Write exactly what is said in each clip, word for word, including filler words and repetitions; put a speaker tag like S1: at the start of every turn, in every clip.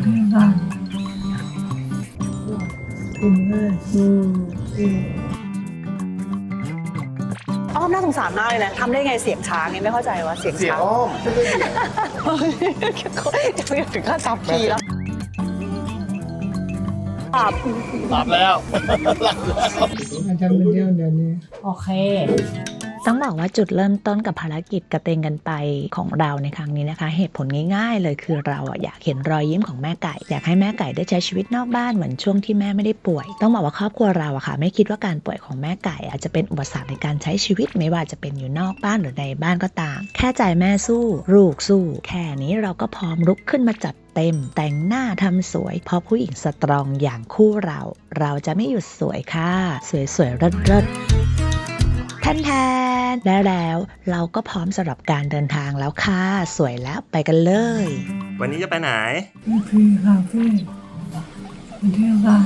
S1: ค่ะกินเลยอืมอืม
S2: อ้อมน่าสงสารมากเลยนะทำได้ไงเสียงช้างเนี่ยไม่เข้าใจว่าเสียง
S3: เสียง
S2: ช้าง
S3: อ้อมไม่ใช่เสียง
S2: จะไปถึงขั้นซับคีย์แล้วครับ
S3: หลับแล้วหลับแล้ว
S1: อาจารย์เป็นเที่ยวเดี๋ยวนี้
S4: โอเคต้องบอกว่าจุดเริ่มต้นกับภารกิจกระเตงกันไปของเราในครั้งนี้นะคะเหตุผลง่ายๆเลยคือเราอะอยากเห็นรอยยิ้มของแม่ไก่อยากให้แม่ไก่ได้ใช้ชีวิตนอกบ้านเหมือนช่วงที่แม่ไม่ได้ป่วยต้องบอกว่าครอบครัวเราอะค่ะไม่คิดว่าการป่วยของแม่ไก่อาจจะเป็นอุปสรรคในการใช้ชีวิตไม่ว่าจะเป็นอยู่นอกบ้านหรือในบ้านก็ตามแค่ใจแม่สู้ลูกสู้แค่นี้เราก็พร้อมลุกขึ้นมาจัดเต็มแต่งหน้าทำสวยเพราะผู้หญิงสตรองอย่างคู่เราเราจะไม่หยุดสวยค่ะสวยๆเลิศๆแทนๆแล้วแล้วเราก็พร้อมสำหรับการเดินทางแล้วค่ะสวยแล้วไปกันเลย
S3: วันนี้จะไปไหน
S1: พี่พีคาเฟ่ไปเที่ยวกัน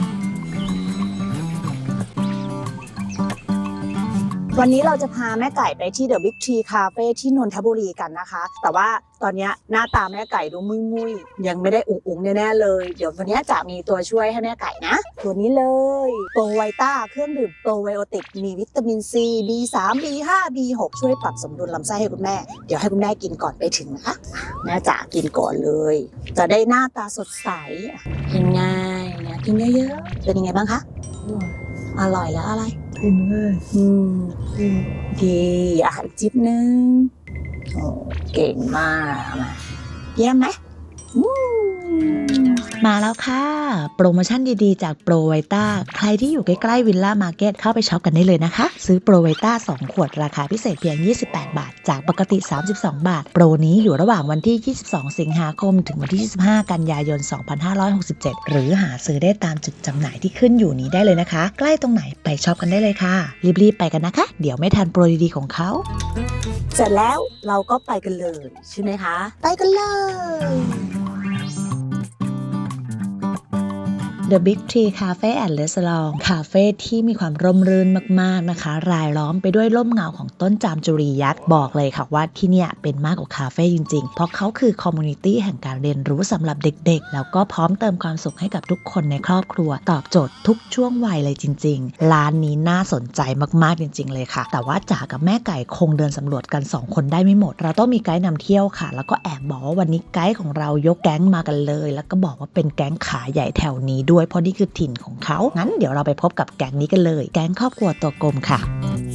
S2: วันนี้เราจะพาแม่ไก่ไปที่ The Big Tree Cafe ที่นนทบุรีกันนะคะ แต่ว่าตอนนี้หน้าตาแม่ไก่ดูมุยมุยๆยังไม่ได้อุ๋งอุ๋งแน่ๆเลย เดี๋ยววันนี้จะมีตัวช่วยให้แม่ไก่นะ ตัวนี้เลยโปรไวต้าเครื่องดื่มโปรไบโอติกมีวิตามินซี บี สาม บี ห้า บี หก ช่วยปรับสมดุลลำไส้ให้คุณแม่ เดี๋ยวให้คุณแม่กินก่อนไปถึงนะคะแม่จ๋ากินก่อนเลย จะได้หน้าตาสดใสกินง่ายนะกินเยอะๆเป็นยังไงบ้างคะอร่อยแล้วอะไร
S1: กินเลย
S2: อืม
S1: กิน
S2: ดีอ่ะอีกจิ๊บนึงโอ้เก่งมากมาเยี่ยมไหมอืม
S4: มาแล้วค่ะ โปรโมชั่นดีๆจากโปรไวต้าใครที่อยู่ใกล้ๆวิลล่ามาร์เก็ตเข้าไปช็อปกันได้เลยนะคะ ซื้อโปรไวต้าสองขวดราคาพิเศษเพียงยี่สิบแปดบาทจากปกติสามสิบสองบาทโปรนี้อยู่ระหว่างวันที่ยี่สิบสองสิงหาคมถึงวันที่ยี่สิบห้ากันยายนสองพันห้าร้อยหกสิบเจ็ดหรือหาซื้อได้ตามจุดจำหน่ายที่ขึ้นอยู่นี้ได้เลยนะคะ ใกล้ตรงไหนไปช็อปกันได้เลยค่ะรีบๆไปกันนะคะเดี๋ยวไม่ทันโปรดีๆของเขา
S2: เสร็จแล้วเราก็ไปกันเลยใช่ไหมคะ ไปกันเลย
S4: The Big Tree Cafe and Restaurant คาเฟ่ที่มีความร่มรื่นมากๆนะคะรายล้อมไปด้วยร่มเงาของต้นจามจุรียักษ์บอกเลยค่ะว่าที่เนี่ยเป็นมากกว่าคาเฟ่จริงๆเพราะเขาคือคอมมูนิตี้แห่งการเรียนรู้สำหรับเด็กๆแล้วก็พร้อมเติมความสุขให้กับทุกคนในครอบครัวตอบโจทย์ทุกช่วงวัยเลยจริงๆร้านนี้น่าสนใจมากๆจริงๆเลยค่ะแต่ว่าจ๋ากับแม่ไก่คงเดินสำรวจกันสองคนได้ไม่หมดเราต้องมีไกด์นำเที่ยวค่ะแล้วก็แอบบอกว่าวันนี้ไกด์ของเรายกแก๊งมากันเลยแล้วก็บอกว่าเป็นแก๊งขาใหญ่แถวนี้ด้วยเพราะนี่คือถิ่นของเขางั้นเดี๋ยวเราไปพบกับแก๊งนี้กันเลยแก๊งครอบครัวตัวกลมค่ะ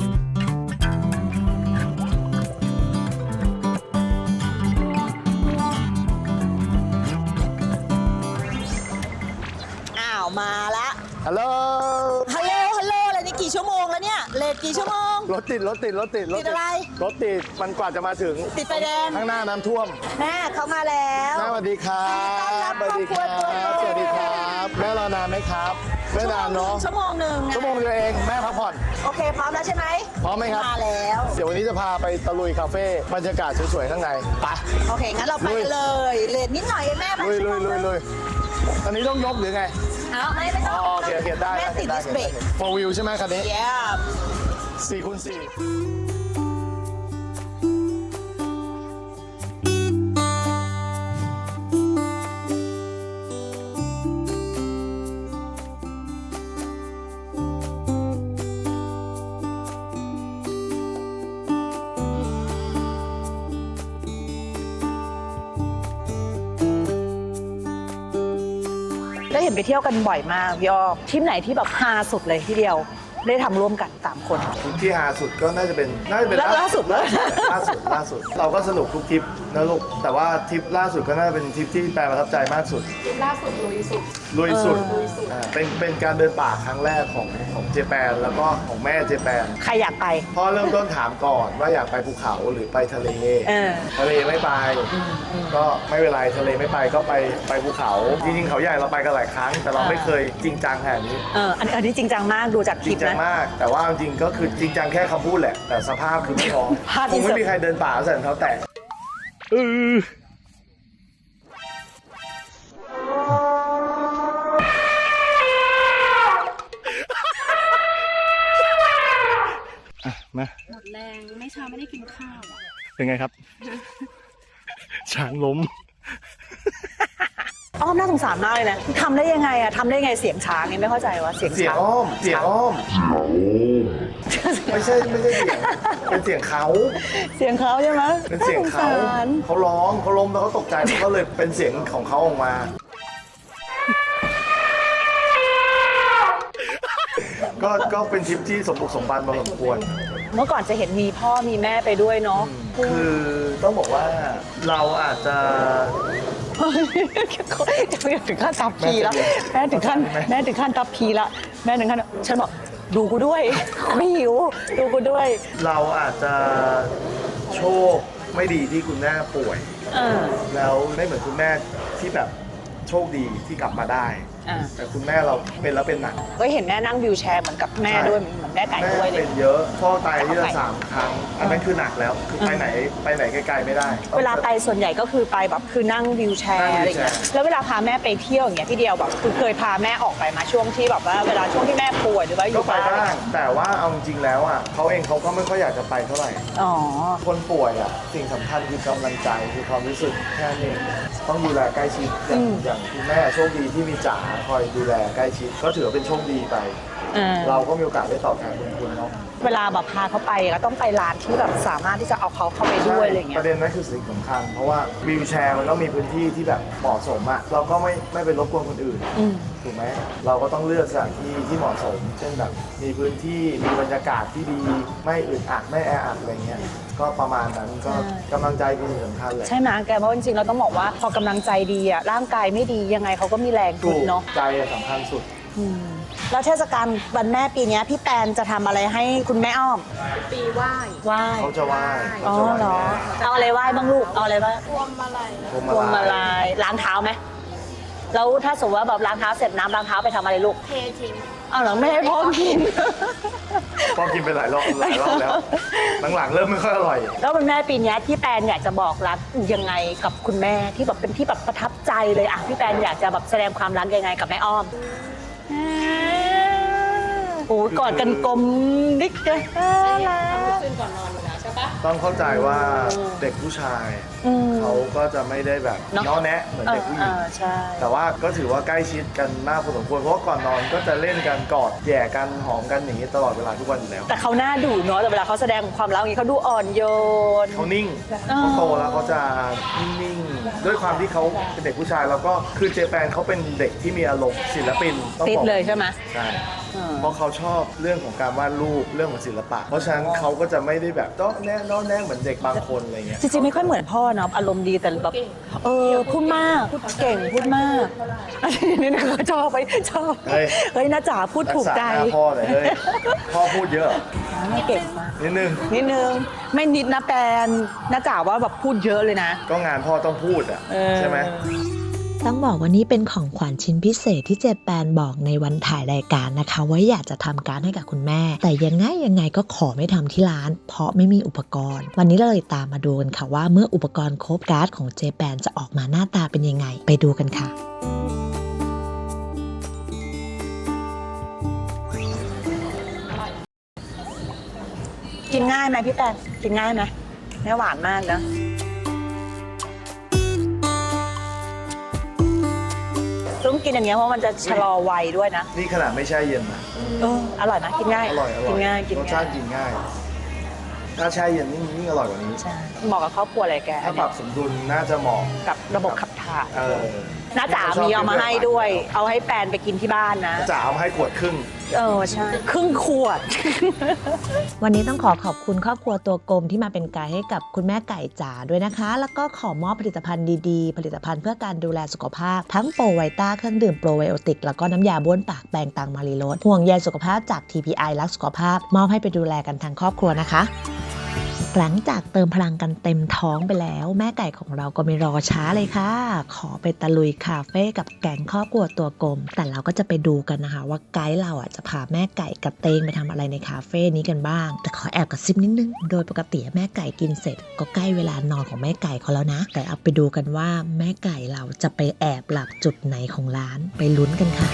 S2: อ้าวมาละ
S3: ฮัลโหล
S2: ฮัลโหลฮัลโหลอะไรนี่กี่ชั่วโมงแล้วเนี่ยเลทกี่ชั่วโมง
S3: รถติดรถติดรถติดรถ
S2: ติดอะไร
S3: รถติดมันกว่าจะมาถึง
S2: ติดไฟแดง
S3: ข้างหน้าน้ำท่วม
S2: แม่เขามาแล้ว
S3: แม่สวัสดีครับ
S2: ต้อนรับครอบครัวตัวโต
S3: สวัสดีครับแม่รอนานไหมครับไม่นานเนาะ
S2: ชั่วโมงหนึ่งนะ
S3: ชั่วโมงเดียวเองแม่พักผ่อน
S2: โอเคพร้อมแล้วใช่ไหม
S3: พร้อมไหมครับ
S2: มาแล้ว
S3: เดี๋ยววันนี้จะพาไปตะลุยคาเฟ่บรรยากาศสวยๆข้างในไป
S2: โอเคงั้นเราไปกันเลยเลทนิดหน่อยเองแม่ไป
S3: ลุย
S2: ชั่ว
S3: ลุ
S2: โม
S3: ย
S2: ง
S3: ลุยลุยอันนี้ต้องยกหรือไง
S2: เอาไม่ไม่ต้
S3: อ๋
S2: อ
S3: อง โอเคโอเคได้
S2: แม่ติด
S3: ได้
S2: ดิสเบรก
S3: โฟวิวใช่ไหมคันนี้
S2: เย้
S3: สี่คูณสี่
S2: ได้เห็นไปเที่ยวกันบ่อยมากพี่อ้อมทริปไหนที่แบบฮาสุดเลยทีเดียวได้ทำร่วมกันสามคน
S3: ทริปที่ฮาสุดก็น่าจะเป็นน่าจะเป็น
S2: แล้วล่าสุดเลย
S3: ล่าสุดล่าสุด เราก็สนุกทุกทริปนะลูกแต่ว่าทริปล่าสุดก็น่าจะเป็นทริปที่แปลประทับใจมากสุด
S5: ล่าสุดลุยสุด
S3: ลุยสุด
S5: ลุยสุด
S3: อ่าเป็นเป็นการเดินป่าครั้งแรกของของเจแปนแล้วก็ของแม่เจแปน
S2: ใครอยากไป
S3: พ่อเริ่มต้นถามก่อนว่าอยากไปภูเขาหรือไปทะเล
S2: เออ
S3: ทะเลไม่ไป ก็ไม่เป็นไรทะเลไม่ไปก็ไปไปภูเขา จริงๆเขาใหญ่เราไปกันหลายครั้ง แต่เราไม่เคยจริงจังขนาดนี้
S2: เอออันนี้อันนี้จริงจังมากดูจากค
S3: จ
S2: ลิ
S3: ริ
S2: ป
S3: งจัง
S2: นะ
S3: มาก แต่ว่าจริงๆก็คือจริงจังแค่คำพูดแหละ แต่สภาพคือไม่พร้อม
S2: ภาพ
S3: คงไม่
S2: insert
S3: มีใครเดินป่าใส่รองเท้าแตะเอออ่ะมา
S5: หมดแรงไม่เช้าไม่ได้กินข้าวอะ
S3: เป็นไงครับ ช้างล้ม
S2: อ้ออ้อมน่าสงสารมากเลยนะทำได้ยังไงอะทำได้ยังไงเสียงช้างเนี่ยไม่เข้าใจว่าเสียง
S3: เสียง
S2: ช้าง
S3: อ้อมเสียงอ้อมไม่ใช่ไม่ใช่เสียงเป็นเสียงเขา
S2: เสียงเขาใช่ไหม
S3: เป็นเสียงเขา
S2: น่สสร
S3: เขาร้องเขาล้มแล้วเขาตกใจมันก็เลยเป็นเสียงของเขาออกมา ก็ก็เป็นทริปที่สมบุกสมบันพอสมควร
S2: เมื่อก่อนจะเห็นมีพ่อมีแม่ไปด้วยเนาะ
S3: คือต้องบอกว่าเราอาจจะ
S2: จะถึงขั้นทับพีแล้วแม่ถึงขั้นแม่ถึงขั้นทับพีละแม่ถึงขั้นฉันบอกดูกูด้วยไม่หิวดูกูด้วย
S3: เราอาจจะโชคไม่ดีที่คุณแม่ป่วย
S2: เออ
S3: แล้วไม่เหมือนคุณแม่ที่แบบโชคดีที่กลับมาได้
S2: อ่า
S3: แต่คุณแม่เราเป็นแล้วเป็นหนัก
S2: ก็เห็นแม่นั่งวิวแชร์เหมือนกับแม่ด้วยเหมือนแม่ไก่
S3: แม่
S2: ด้วยเล
S3: เป็
S2: ย
S3: นเยอะพ่อตายที่ละสามครั้ง อันนั้นคือหนักแล้วคือไปไหนไปไหนไกลๆไม่ได้
S2: เวลาไปส่วนใหญ่ก็คือไปแบบคือนั่งวิวแชร์อะไรอย่างเงี้ยแล้วเวลาพาแม่ไปเที่ยวอย่างเงี้ยที่เดียวแบบคือเคยพาแม่ออกไปมาช่วงที่แบบว่าเวลาช่วงที่แม่ป่วยหรือว่าอ
S3: ก็
S2: ยู่
S3: ไป
S2: บ้าน
S3: บ้างแต่ว่าเอาจริงๆแล้วอ่ะเขาเองเขาก็ไม่ค่อยอยากจะไปเท่าไหร่
S2: อ๋อ
S3: คนป่วยอ่ะสิ่งสำคัญคือกำลังใจคือความรู้สึกแค่นั้นเองต้องดูแลใกล้ชิดอย่างอย่างคุณแม่โชคดีที่มีจ๋าคอยดูแลใกล้ชิดก็ถือว่าเป็นโชคดีไป
S2: อ่า
S3: เราก็มีโอกาสได้ตอบแทนบุญคุณเนาะ
S2: เวลาแบบพาเขาไปก็ต้องไปร้านที่แบบสามารถที่จะเอาเขาเข้าไปด้วยอะไรอย่างเงี้
S3: ป
S2: ย
S3: ระเด็นนั้นคือสิ่งสำคัญ เพราะว่าวิวแชร์มันต้องมีพื้นที่ที่แบบเหมาะสมอะเราก็ไม่ไม่ไปรบกวนคนอื่น
S2: อืม
S3: ถูกไหมเราก็ต้องเลือกสถานที่ที่เหมาะสม เช่นแบบมีพื้นที่มีบรรยากาศที่ดีไม่อึดอัดไม่แออัดอะไรเงี้ยก็ประมาณนั้นก็กำลังใจเป็นสิ่งสำคัญเลย
S2: ใช่ไหมแกเพราะจริงๆเราต้องบอกว่าพอกำลังใจดีอะร่างกายไม่ดียังไงเขาก็มีแรง
S3: ถู
S2: ทุ
S3: ก
S2: นเนาะ
S3: ใจอะสำคัญสุด
S2: อืมแล้วเทศกาลวันแม่ปีเนี้ยพี่แปนจะทำอะไรให้คุณแม่อ้อม
S5: ปีไหว้
S2: ไหว้
S3: เขาจะไหว้
S2: อ๋อ
S3: เขาจะไหว้
S2: เหรอ
S3: แม่
S2: เอาอะไรไหว้บ้างลูกเอาอะไรบ้าง
S5: พวงมาลัย
S3: พวง
S2: พวง
S3: มา
S2: มา
S3: ลั
S2: ลาย ยล้างเท้าไหมแล้วถ้าสมมติว่าแบบล้างเท้าเสร็จน้ำล้างเท้าไปทำอะไรลูก
S5: เททิ้ง
S2: เอาเหรอไม่ให้พ่อกิน
S3: พ่อกินไปหลายรอบหลายรอบแล้วหลังๆเริ่มไม่ค่อยอร่อย
S2: แล้ววันแม่ปีเนี้ยพี่แปนอยากจะบอกรักยังไงกับคุณแม่ที่แบบเป็นที่แบบประทับใจเลยอ่ะพี่แปนอยากจะแบบแสดงความรักยังไงกับแม่อ้อมโอ้ยกอดกันกลมดิ๊กเลย
S5: ขึ้นก่อนนอนอยู่แล้วใช่ปะ
S3: ต้องเข้าใจว่าเด็กผู้ชาย
S2: อืม
S3: เขาก็จะไม่ได้แบบ
S2: เนอะ
S3: น้อแนะเหมือนเด็กผู้หญิง
S2: เออใช่
S3: แต่ว่าก็ถือว่าใกล้ชิดกันมากพอสมควรเพราะว่าก่อนนอนก็จะเล่นกันกอดแย่กันหอมกันอย่างนี้ตลอดเวลาทุกวันอยู่แล้ว
S2: แต่เขาหน้าดุเนาะแต่เวลาเขาแสดงความรักอย่างนี้เขาดูอ่อนโยน
S3: เขานิ่ง
S2: อ๋อ
S3: เขาโตแล้วเขาจะนิ่งๆด้วยความที่เขาเป็นเด็กผู้ชายแล้วก็คือเจแปนเขาเป็นเด็กที่มีอารมณ์ศิลปินต้อง
S2: ติด
S3: บอก
S2: เลยใช่ไหม
S3: ใช่
S2: อืม
S3: เพราะเขาชอบเรื่องของการวาดรูปเรื่องของศิลปะ เพราะฉะนั้นเขาก็จะไม่ได้แบบต้องแน่น้อแน่เหมือนเด็กบางคนอะไรเงี้ย
S2: จริงๆไม่ค่อยเหมือนพ่อเนาะอารมณ์ดีแต่แบบเออพูดมากพูดเก่งพูดมากอันนี้นะเขาชอบไปชอบ
S3: เฮ้ย
S2: เฮ้ยน้าจ๋าพูด
S3: รั
S2: ถู
S3: ก
S2: ก
S3: ษา
S2: ใจ
S3: หน้าพ่อหน่อยเฮ้ยพ่อพูดเยอะ
S2: แม่เก่งมาก
S3: นิดนึง
S2: นิดนึงไม่นิดนะแปนน้าจ๋าว่าแบบพูดเยอะเลยนะ
S3: ก็งานพ่อต้องพูดอ่ะ
S2: เออ
S3: ใช่ไหม
S4: ต้องบอกว่านี่เป็นของขวัญชิ้นพิเศษที่เจแปนบอกในวันถ่ายรายการนะคะว่าอยากจะทำการดให้กับคุณแม่ แต่ยังไงยังไงก็ขอไม่ทำที่ร้าน เพราะไม่มีอุปกรณ์ วันนี้เราเลยตามมาดูกันค่ะว่าเมื่ออุปกรณ์ครบการ์ดของเจแปนจะออกมาหน้าตาเป็นยังไง ไปดูกันค่ะ
S2: กินง่ายไหมพี่แปนกินง่ายไหมไม่หวานมากนะต้องกินอย่างเงี้ยเพราะมันจะชะลอวัยด้วยนะ
S3: นี่ขนาดไม่แช่เย็นนะ
S2: เอออร่อยนะกินง่าย
S3: อร่อยอร่อย
S2: กินง่ายกิน
S3: รส
S2: ง่า
S3: ชาย ติกินง่าย ถ้าแช่เย็นยิ่งยิ่งอร่อยกว่านี้
S2: ใช่เหมาะกับครอบครัวเลยแก
S3: ถ้าปรับสมดุลน่าจะเหมาะ
S2: กับระบบขับถ่าย
S3: เออ
S2: น้าจ๋ามีเอามาให้ด้วย เอาให้แปนไปกินที่บ้านนะ
S3: จ๋าเอามาให้ขวดครึ่ง
S2: เออใช่ครึ่งขวด
S4: วันนี้ต้องขอขอบคุณครอบครัวตัวกลมที่มาเป็นไกด์ให้กับคุณแม่ไก่จ๋าด้วยนะคะ แล้วก็ขอมอบผลิตภัณฑ์ดีๆ ผลิตภัณฑ์เพื่อการดูแลสุขภาพ ทั้งโปรไวต้าเครื่องดื่มโปรไบโอติก แล้วก็น้ำยาบ้วนปากแปรงตังมารีโรสห่วงใยสุขภาพจาก ที พี ไอ รักสุขภาพ มอบให้ไปดูแลกันทั้งครอบครัวนะคะ หลังจากเติมพลังกันเต็มท้องไปแล้วแม่ไก่ของเราก็ไม่รอช้าเลยค่ะ ขอไปตะลุยคาเฟ่กับแก๊งครอบครัวตัวกลม แต่เราก็จะไปดูกันนะคะว่าไกด์เราอ่ะจะพาแม่ไก่กับเตงไปทำอะไรในคาเฟ่นี้กันบ้าง แต่ขอแอบกระซิบนิดนึง โดยปกติแม่ไก่กินเสร็จก็ใกล้เวลานอนของแม่ไก่เขาแล้วนะ แต่เอาไปดูกันว่าแม่ไก่เราจะไปแอบหลับจุดไหนของร้านไปลุ้นกันค่ะ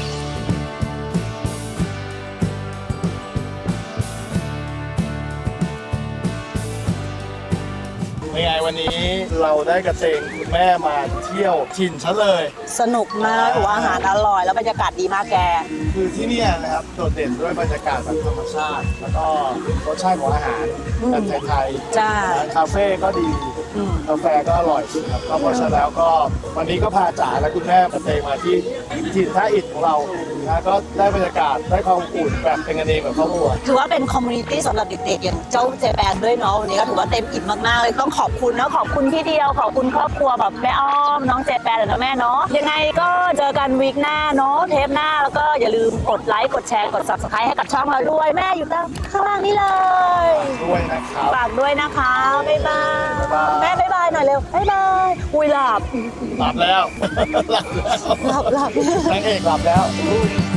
S3: คเป็นไงวันนี้เราได้กระเตงคุณแม่มาเที่ยวถิ่นฉันเลย
S2: สนุกมากหัวอาหารอร่อยแล้วบรรยากาศดีมากแก
S3: คือที่เนี่ยนะครับโดดเด่นด้วยบรรยากาศแบบธรรมชาติ แล้วก็รสชาติของอาหารแบบไทยๆ
S2: จ้า
S3: ร้านคาเฟ่ก็ดี
S2: อืม
S3: กาแฟก็อร่อยครับก็เพราะฉะนั้นแล้วก็วันนี้ก็พาจ๋าและคุณแม่กระเตงมาที่ถิ่นท่าอิฐของเรานะก็ได้บรรยากาศได้ความอุ่นแบบเป็นกันเองแบบครอบครัว
S2: ถือว่าเป็นคอมมูนิตี้สำหรับเด็กๆอย่างเจ้าเจแปนด้วยเนาะวันนี้ก็ถือว่าเต็มอิ่มมากๆเลยต้องขอบคุณเนาะขอบคุณพี่เดียวขอบคุณครอบครัวแบบแม่อ้อมน้องเจแปนและแม่เนาะยังไงก็เจอกันวีคหน้าเนาะเทปหน้าแล้วก็อย่าลืมกดไลค์กดแชร์กด ซับสไครบ์ ให้กับช่องเราด้วยแม่อยู่ด้านข้างล่างนี่เลย
S3: ด้วยนะครับ
S2: ฝากด้วยนะคะบ๊ายบาย
S3: บ๊ายบาย
S2: แม่บ๊ายบายหน่อยเร็วบ๊ายบายอุ้ยหลับ
S3: หลับแล้ว หลับแล้ว
S2: หลับหลับ
S3: นางเอกหลับแล้ว
S2: บ